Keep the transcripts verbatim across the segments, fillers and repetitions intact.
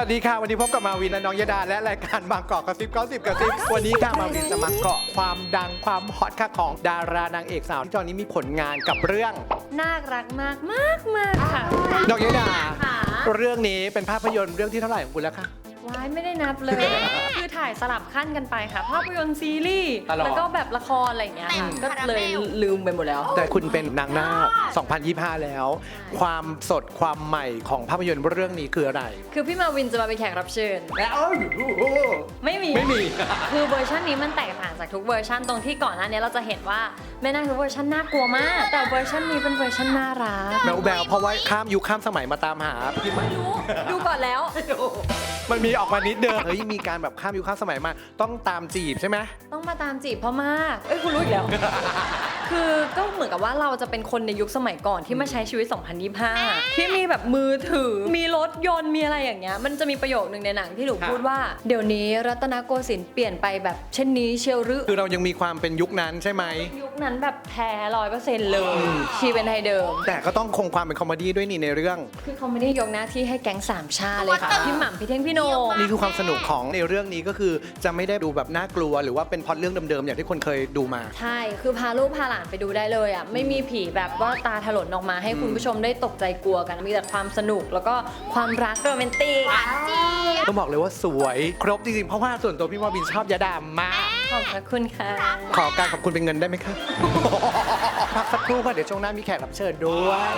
ดีค่ะวันนี้พบกับมาวินและน้องยดาและรายการบางกอกกระซิบเก้าสิบกระซิบวันนี้ค่ะมาวินจะมาเกาะความดังความฮอตค่ะของดารานางเอกสาวที่ตอนนี้มีผลงานกับเรื่องน่ารักมากมากมากค่ะน้องยดาเรื่องนี้เป็นภาพยนตร์เรื่องที่เท่าไหร่ของคุณแล้วคะว้ายไม่ได้นับเลยคือถ่ายสลับขั้นกันไปค่ะภาพยนตร์ซีรีส์แล้วก็แบบละครอะไรอย่างเงี้ยค่ะก็เลยลืมไปหมดแล้วแต่คุณเป็นนางนาคสองพันยี่สิบห้าแล้วความสดความใหม่ของภาพยนตร์เรื่องนี้คืออะไรคือพี่มาวินจะมาเป็นแขกรับเชิญแล้วไม่มีไม่มีคือเวอร์ชันนี้มันแตกต่างจากทุกเวอร์ชันตรงที่ก่อนหน้านี้เราจะเห็นว่าแม่นาคทุกเวอร์ชันน่ากลัวมากแต่เวอร์ชันนี้เป็นเวอร์ชันน่ารักแบวแบวเพราะว่าข้ามยุคข้ามสมัยมาตามหาพี่ไม่รู้ดูก่อนแล้วมันมีออกมานิดเดิมเฮ้ยมีการแบบข้ามยุคข้ามสมัยมาต้องตามจีบใช่ไหมต้องมาตามจีบเพราะมากเอ้ยคุณรู้อีกแล้ว คือก็เหมือนกับว่าเราจะเป็นคนในยุคสมัยก่อนที่มาใช้ชีวิตสองพันยี่สิบห้าที่มีแบบมือถือมีรถยนต์มีอะไรอย่างเงี้ยมันจะมีประโยคนึงในหนังที่หนูพูดว่าเดี๋ยวนี้รัตนโกสินทร์เปลี่ยนไปแบบเช่นนี้เชียวหรือคือเรายังมีความเป็นยุคนั้นใช่ไหมยุคนั้นแบบแท้ร้อยเปอร์เซ็นต์เลยชีเป็นไทยเดิมแต่ก็ต้องคงความเป็นคอมเมดี้ด้วยนี่ในเรื่องคือเขาไม่ได้ยกหน้าที่ให้แก๊งสามชาเลยค่ะพี่หม่ำพี่เท่งพี่โนนี่คือความสนุกของในเรื่องนี้ก็คือจะไม่ได้ดูแบบน่ากลัวหรือว่าเป็นพล็อตเรื่องเดิมๆอย่างที่คนเคยดูมาใช่คือพาลูกพาหลานไปดูได้เลยอ่ะไม่มีผีแบบว่าตาถลนออกมาให้คุณผู้ชมได้ตกใจกลัวกันมีแต่ความสนุกแล้วก็ความรักโรแมนติกต้องบอกเลยว่าสวยครบจริงๆเพราะว่าส่วนตัวพี่ว่าบินชอบยาดามากขอบคุณค่ะขอการขอบคุณเป็นเงินได้ไหมคะพักสักครู่ค่ะเดี๋ยวช่วงหน้ามีแขกรับเชิญด้วย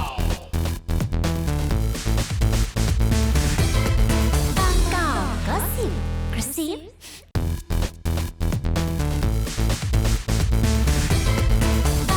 บางกอกก็สิบกระซิบ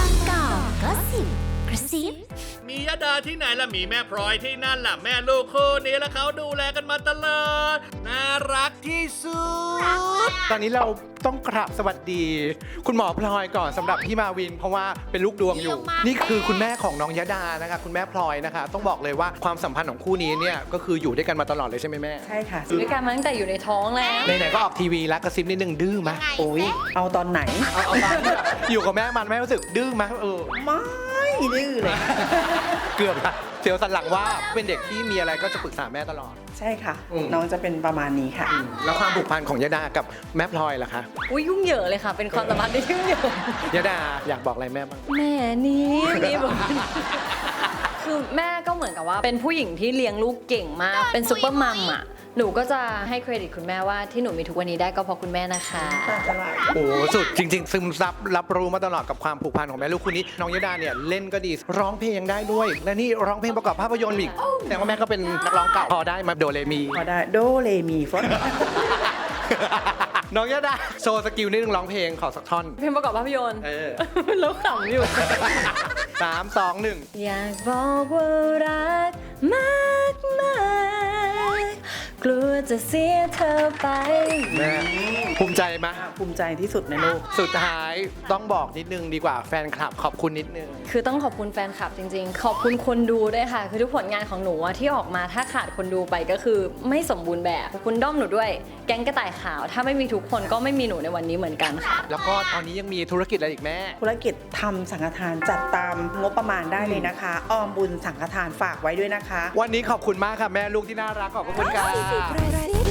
มียดาที่ไหนล่ะมีแม่พลอยที่นั่นล่ะแม่ลูกคู่นี้แล้วเขาดูแลกันมาตลอดน่ารักที่สุดตอนนี้เราต้องกราบสวัสดีคุณหมอพลอยก่อนสำหรับพี่มาวินเพราะว่าเป็นลูกดวงอยู่นี่คือคุณแม่ของน้องยดานะคะคุณแม่พลอยนะคะต้องบอกเลยว่าความสัมพันธ์ของคู่นี้เนี่ยก็คืออยู่ด้วยกันมาตลอดเลยใช่ไหมแม่ใช่ค่ะอยู่ด้วยกันมาตั้งแต่อยู่ในท้องแล้วไหนๆก็ออกทีวีแล้วกระซิบนิดนึงดื้อไหมโอ้ยเอาตอนไหนเอาเอาตอนอยู่กับแม่มันแม่รู้สึกดื้อไหมเออไม่ดื้อเลยเกือบละเสียวสันหลังว่าเป็นเด็กที่มีอะไรก็จะปรึกษาแม่ตลอดใช่ค่ะน้องจะเป็นประมาณนี้ค่ะแล้วความผูกพันของยดากับแม่พลอยล่ะคะอุ้ยยุ่งเหยิงเลยค่ะเป็นความสัมพันธ์ที่ยุ่งเหยิงยดาอยากบอกอะไรแม่บ้างแม่นี่นี่บอกคือแม่ก็เหมือนกับว่าเป็นผู้หญิงที่เลี้ยงลูกเก่งมากเป็นซุปเปอร์มัมอ่ะหนูก็จะให้เครดิตคุณแม่ว่าที่หนูมีทุกวันนี้ได้ก็เพราะคุณแม่นะคะโอ้สุดจริงๆซึมซับรับรู้มาตลอดกับความผูกพันของแม่ลูกคู่นี้น้องยดาเนี่ยเล่นก็ดีร้องเพลงยังได้ด้วยและนี่ร้องเพลงประกอบภาพยนตร์อีกแต่ว่าแม่ก็เป็นนักร้องเก่าพอได้มาโดเรมีพอได้โดเรมีฟอนน้องยดาโชว์สกิลนิดนึงร้องเพลงขอสักท่อนเพลงประกอบภาพยนตร์เออแล้วขำอยู่สามสองหนึ่งอยากบอกว่ารักมากมากกลัวจะเสียเธอไปแม่ภูมิใจไหมภูมิใจที่สุดในโลกสุดท้ายต้องบอกนิดนึงดีกว่าแฟนคลับขอบคุณนิดนึงคือต้องขอบคุณแฟนคลับจริงๆขอบคุณคนดูด้วยค่ะคือทุกผลงานของหนูที่ออกมาถ้าขาดคนดูไปก็คือไม่สมบูรณ์แบบขอบคุณด้อมหนูด้วยแก๊งกระต่ายขาวถ้าไม่มีทุกคนก็ไม่มีหนูในวันนี้เหมือนกันค่ะแล้วก็ตอนนี้ยังมีธุรกิจอะไรอีกแม่ธุรกิจทำสังฆทานจัดตามงบประมาณได้เลยนะคะออมบุญสังฆทานฝากไว้ด้วยนะคะวันนี้ขอบคุณมากค่ะแม่ลูกที่น่ารักขอบคุณค่ะ